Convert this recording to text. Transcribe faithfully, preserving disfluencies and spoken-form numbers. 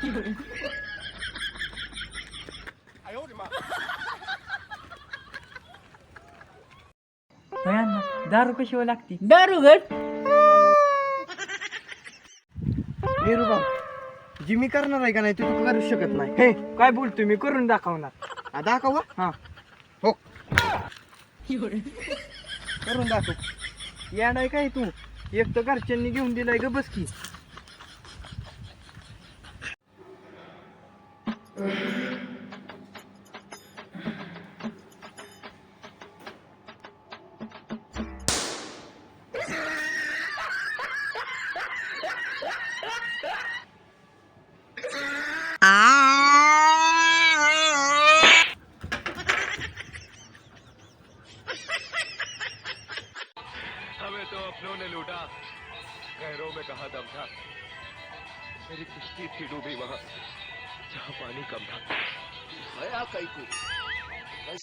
भयांना दारू कशी लागती? दारू गट निरुबा जी मी करणार आहे का नाही ते तू करू शकत नाही. हे काय बोलतोय, मी करून दाखवणार. हा, दाखव हा हो करून दाखव. या नाही काय तू, एक तर घरच्यांनी घेऊन दिलाय ग, बस की. हमें तो अपनों ने लूटा, गहरों में कहा दम था, मेरी किश्ती थी डूबी वहां जहां पानी कम था. भया कैकू